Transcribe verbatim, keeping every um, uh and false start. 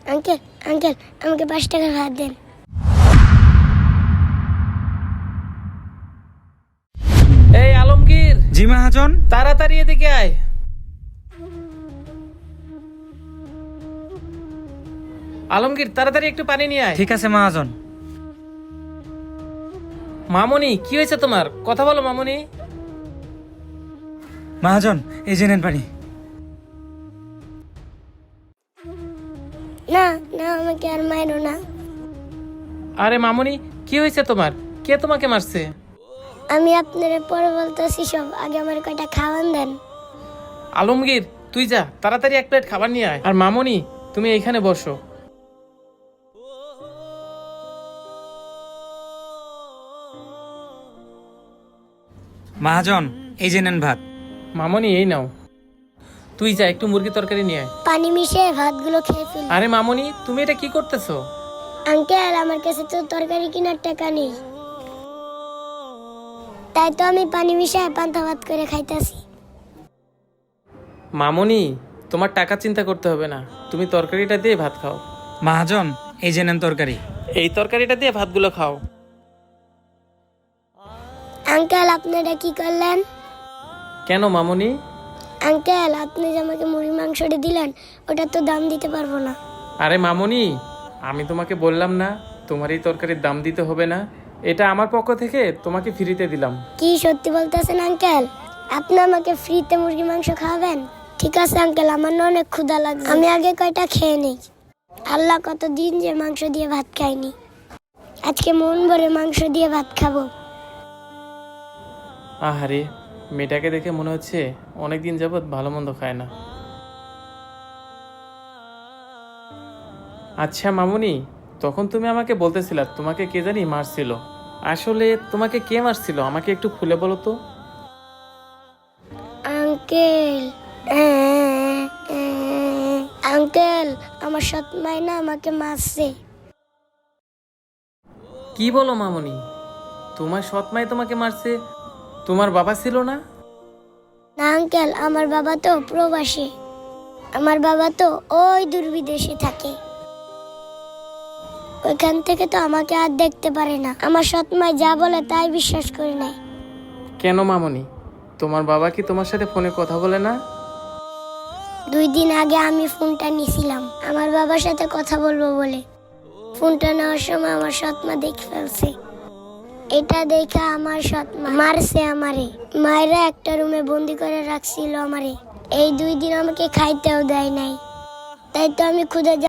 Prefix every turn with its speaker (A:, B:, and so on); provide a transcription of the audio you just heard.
A: Uncle uncle আমাকে পাঁচ টাকার ভাত দেন।
B: এই আলমগীর,
C: জি মহাজন।
B: তাড়াতাড়ি এদিকে আয়। আলমগীর, তাড়াতাড়ি একটু পানি নিয়ে আয়।
C: ঠিক আছে মহাজন।
B: মামুনি, কি হয়েছে তোমার? কথা বলো মামুনি।
C: মহাজন, এই যে নেন পানি।
A: না না আমাকে আর মারো না।
B: আরে মামুনি, কি হয়েছে তোমার? কে তোমাকে মারছে?
A: আমি আপনার পরে বলতেছি সব, আগে আমার কয়টা খাওয়ান দেন।
B: আলমগীর, তুই যা, তাড়াতাড়ি এক প্লেট খাবার নিয়ে আয়। আর মামুনি, তুমি এইখানে বসো।
C: মহাজন, এই যে নেন ভাত।
B: মামুনি, এই নাও। তুই যা, একটু মুরগি তরকারি নিয়ে আয়।
A: পানি মিশিয়ে ভাতগুলো খেয়ে ফেলি।
B: আরে মামুনি, তুমি এটা কি করতেছো?
A: আঙ্কেল আমার কাছে তো তরকারি কেনার টাকা নেই, তাই তো আমি পানি মিশিয়ে পান্তা ভাত করে খাইতেছি।
B: মামুনি, তোমার টাকা চিন্তা করতে হবে না, তুমি তরকারিটা দিয়ে ভাত খাও।
C: মহাজন, এই যে নেন তরকারি।
B: এই তরকারিটা দিয়ে ভাতগুলো খাও।
A: আঙ্কেল আপনারা কি করলেন?
B: কেন মামুনি?
A: আঙ্কেল আপনি যে আমাকে মুরগি মাংসটা দিলেন, ওটা তো দাম দিতে পারবো না।
B: আরে মামুনি, আমি তোমাকে বললাম না তোমার এই তরকারির দাম দিতে হবে না? এটা আমার পক্ষ থেকে তোমাকে ফ্রিতে দিলাম।
A: কি সত্যি বলতেছেন আঙ্কেল? আপনি আমাকে ফ্রিতে মুরগি মাংস খাওয়াবেন? ঠিক আছে আঙ্কেল, আমার না অনেক ক্ষুধা লাগছে, আমি আগে কয়টা খেয়ে নেই। আল্লাহ কতদিন যে মাংস দিয়ে ভাত খাইনি, আজকে মন ভরে মাংস দিয়ে ভাত খাবো।
B: আহারে, মেয়েটাকে দেখে মনে হচ্ছে অনেকদিন যাবৎ ভালো মন্দ খায় না। আচ্ছা মামুনি, তখন তুমি আমাকে বলতেছিলা তোমাকে কে জানি মারছিল। আসলে তোমাকে কে মারছিল আমাকে একটু খুলে বলো তো।
A: আঙ্কেল আঙ্কেল আমার সৎ মাই না আমাকে মারছে।
B: কি বলো মামুনি? তোমার সৎ মাই তোমাকে মারছে? তোমার বাবা ছিল না?
A: না আঙ্কেল, আমার বাবা তো প্রবাসী, আমার বাবা তো ওই দূর বিদেশে থাকে, ওইখান থেকে তো আমাকে আর দেখতে পারে না। আমার সৎ মাই যা বলে তাই বিশ্বাস করি নাই।
B: কেন মামুনি, তোমার বাবা কি তোমার সাথে ফোনে কথা বলে না?
A: দুই দিন আগে আমি ফোনটা নিয়েছিলাম আমার বাবার সাথে কথা বলবো বলে। ফোনটা নেওয়ার সময় আমার সৎ মা দেখে ফেলছে। এটা দেখে আমার সৎ মা মারছে আমারে, মায়েরা একটা রুমে বন্দি করে রাখছিল আমারে। এই দুই দিন আমাকে খাইতেও দেয় নাই, তাই তো আমি ক্ষুধা